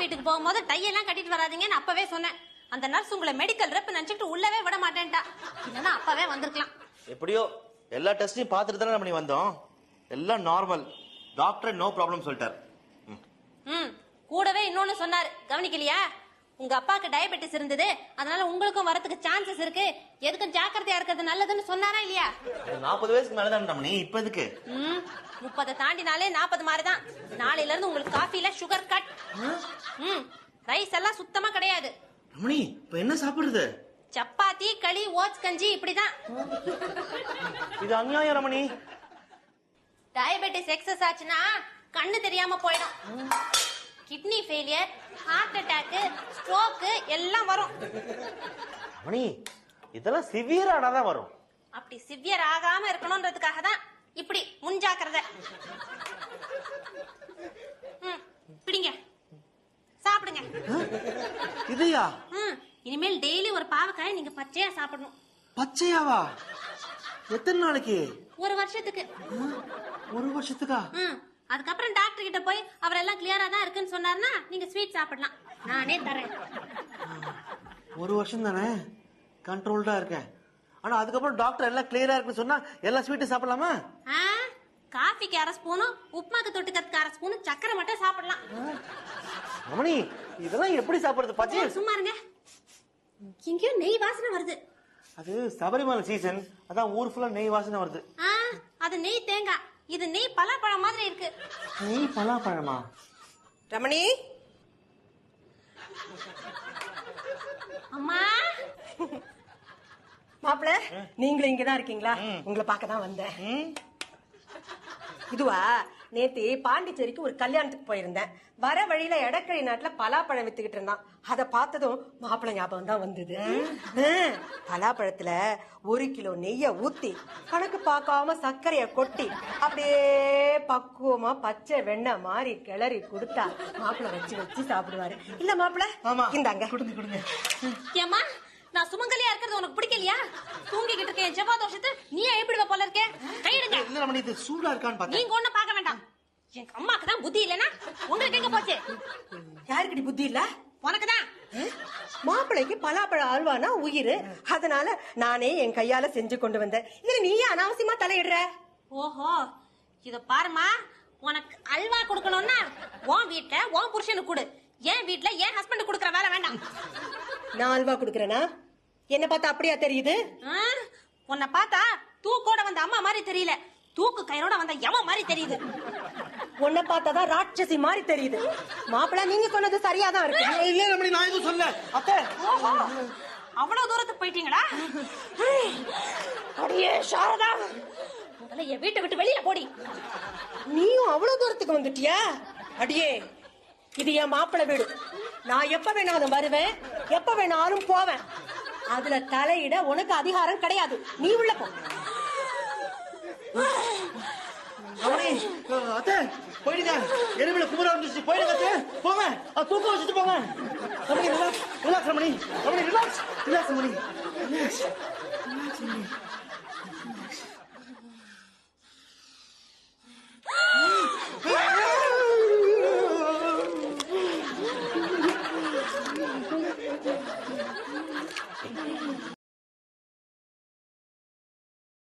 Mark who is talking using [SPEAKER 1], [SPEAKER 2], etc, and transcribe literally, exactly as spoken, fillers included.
[SPEAKER 1] வீட்டுக்கு போகும்போது டை எல்லாம் கட்டிட்டு வராதீங்கன்னு அப்பவே சொன்னேன். அந்த நர்ஸ் உங்களை மெடிக்கல் ரெப் நினைச்சிட்டு உள்ளவே விட மாட்டேன்டா. இல்லன்னா அப்பவே வந்திருக்கலாம்.
[SPEAKER 2] எப்படியோ எல்லா டெஸ்டையும் பார்த்துட்டு தானே நம்ம வந்தோம். எல்லாம் நார்மல். டாக்டர் நோ ப்ராப்ளம் சொல்லிட்டார்.
[SPEAKER 1] ம் கூடவே இன்னொன்னு சொன்னாரு, கவனிக்கலையா? உங்க அப்பாக்கு டயபெட்டிஸ் இருந்தது, அதனால உங்களுக்கும் வரதுக்கு சான்சஸ் இருக்கு, எதுக்கும் ஜாக்கிரதையா இருக்கிறது நல்லதுன்னு சொன்னாரா இல்லையா?
[SPEAKER 2] நாற்பது வயசுக்கு மேலதான் ரமணி. இப்ப எதுக்கு?
[SPEAKER 1] ம் முப்பதை தாண்டினாலே நாற்பது மாதிரிதான். நாளையில இருந்து உங்களுக்கு காஃபில சுகர் கட். ம் ரைஸ் எல்லாம் சுத்தமா கிடையாது.
[SPEAKER 2] ரமணி இப்ப என்ன சாப்பிடுறது?
[SPEAKER 1] சப்பாத்தி, களி, ஓட்ஸ் கஞ்சி இப்படிதான்.
[SPEAKER 2] இது அநியாயம் ரமணி.
[SPEAKER 1] டயபெட்டிஸ் எக்ஸஸ் ஆச்சுன்னா கண்ணு தெரியாம போயிடும். Kidney failure, heart attack, stroke எல்லாம் வரும்.
[SPEAKER 2] ரமணி இதெல்லாம் சிவியரானா தான் வரும்.
[SPEAKER 1] அப்படி சிவியர் ஆகாம இருக்கணும்ன்றதுக்காக தான் இப்படி முன்ஜாக்கிரதை. ம் பிடிங்க, சாப்பிடுங்க.
[SPEAKER 2] இதையா?
[SPEAKER 1] ம் இனிமேல் டெய்லி ஒரு பாவக்காயை நீங்க பச்சையா சாப்பிடணும்.
[SPEAKER 2] பச்சையாவா? எத்தனை நாளைக்கு?
[SPEAKER 1] ஒரு வருஷத்துக்கு.
[SPEAKER 2] ஒரு வருஷத்துக்கா?
[SPEAKER 1] ம் அதுக்கப்புறம் டாக்டர் கிட்ட போய் அவர் எல்லாம் கிளியரா தான் இருக்குன்னு சொன்னார்னா நீங்க ஸ்வீட் சாப்பிடலாம், நானே தரேன்.
[SPEAKER 2] ஒரு வருஷம் தானே கண்ட்ரோல்டா இருக்கேன். ஆனா அதுக்கப்புறம் டாக்டர் எல்லாம் கிளியரா இருக்குன்னு சொன்னா எல்லா ஸ்வீட்டும் சாப்பிடலாமா?
[SPEAKER 1] காஃபிக்கு அரை ஸ்பூனும் உப்புமாக்கு தொட்டுக்கிறதுக்கு அரை ஸ்பூனும் சக்கரை மட்டும் சாப்பிடலாம்.
[SPEAKER 2] ரமணி இதெல்லாம் எப்படி சாப்பிடுறது? பச்சை
[SPEAKER 1] சும்மா இருங்க. எங்கேயோ நெய் வாசனை வருது.
[SPEAKER 2] அது சபரிமலை சீசன், அதான் ஊர் ஃபுல்லா நெய் வாசனை வருது.
[SPEAKER 1] அது நெய் தேங்காய், இது நெய் பலாப்பழம் மாதிரி இருக்கு.
[SPEAKER 2] நெய் பலாப்பழமா?
[SPEAKER 3] ரமணி
[SPEAKER 1] அம்மா.
[SPEAKER 3] மாப்பிள்ள நீங்களும் இங்கதான் இருக்கீங்களா? உங்களை பார்க்கதான் வந்தேன். இதுவா நேத்து பாண்டிச்சேரிக்கு ஒரு கல்யாணத்துக்கு போயிருந்தேன். வர வழியில எடக்கழி நாட்டுல பலாப்பழம் வித்துக்கிட்டு இருந்தான். அத பார்த்ததும் மாப்பிள்ளை ஞாபகம் தான் வந்தது. பலாப்பழத்துல ஒரு கிலோ நெய்ய ஊத்தி கணக்கு பார்க்காம சர்க்கரைய கொட்டி அப்படியே பக்குவமா பச்சை வெண்ணெய் மாதிரி கிளறி கொடுத்தா மாப்பிள்ளை வச்சு வச்சு சாப்பிடுவாரு. இல்ல மாப்பிள்ளை இந்தாங்க
[SPEAKER 2] கொடுங்க கொடுங்க.
[SPEAKER 1] ஏமா நான் சுமங்கலியா இருக்கிறது உனக்கு பிடிக்கலையா? தூங்கிக்கிட்டு இருக்கேன் ஜெபாதோஷத்து நீ எப்படி போல இருக்க? கையிடுங்க.
[SPEAKER 2] இல்ல ரமணி இது சூடா இருக்கான்னு பார்த்தேன்.
[SPEAKER 1] நீங்க ஒண்ணு பார்க்க வேண்டாம். எங்க அம்மாக்கு தான் புத்தி இல்லனா உங்களுக்கு எங்க போச்சு?
[SPEAKER 3] யாருக்குடி புத்தி இல்ல?
[SPEAKER 1] உனக்குதான்.
[SPEAKER 3] மாப்பிள்ளைக்கு பலாப்பழ அல்வானா உயிர், அதனால நானே என் கையால செஞ்சு கொண்டு வந்தேன். இதுல நீ அனாவசியமா தலையிடுற.
[SPEAKER 1] ஓஹோ இத பாருமா, உனக்கு அல்வா கொடுக்கணும்னா உன் வீட்டுல உன் புருஷனுக்கு கொடு, என் வீட்டுல என் ஹஸ்பண்ட் கொடுக்கற வேலை வேண்டாம்.
[SPEAKER 3] நான் அல்வா குடுக்கறேனா? என்ன பார்த்தா அப்படியா தெரியுது?
[SPEAKER 1] உன்னை பார்த்தா தூக்கோட வந்த அம்மா மாதிரி தெரியல, தூக்கு கயிறோட வந்த யம மாதிரி தெரியுது.
[SPEAKER 3] உன்னை பார்த்தாதான் ராட்சசி மாதிரி தெரியுது. மாப்பிள்ள நீங்க சொன்னது சரியாதான் இருக்கு.
[SPEAKER 2] இல்ல ரமணி நான் எதுவும் சொல்ல. அத்தை
[SPEAKER 1] அவ்வளவு தூரத்துக்கு போயிட்டீங்களா? அடியே சாரதா, முதல்ல என் வீட்டை விட்டு வெளியில போடி.
[SPEAKER 3] நீயும் அவ்வளவு தூரத்துக்கு வந்துட்டியா? அடியே இது என் மாப்பிள்ளை வீடு. நான் எப்ப வேணாலும் வருவேன், எப்ப வேணாலும் போவேன். அதுல தலையிட உனக்கு அதிகாரம் கிடையாது. நீ உள்ள போ.
[SPEAKER 2] அத்தை போயிடுங்க. எருமையில குமரா வந்துச்சு. போயிடுங்க அத்தை, போங்க. தூக்கம் வச்சுட்டு போங்க. Ramani relax relax Ramani. Ramani relax relax Ramani relax.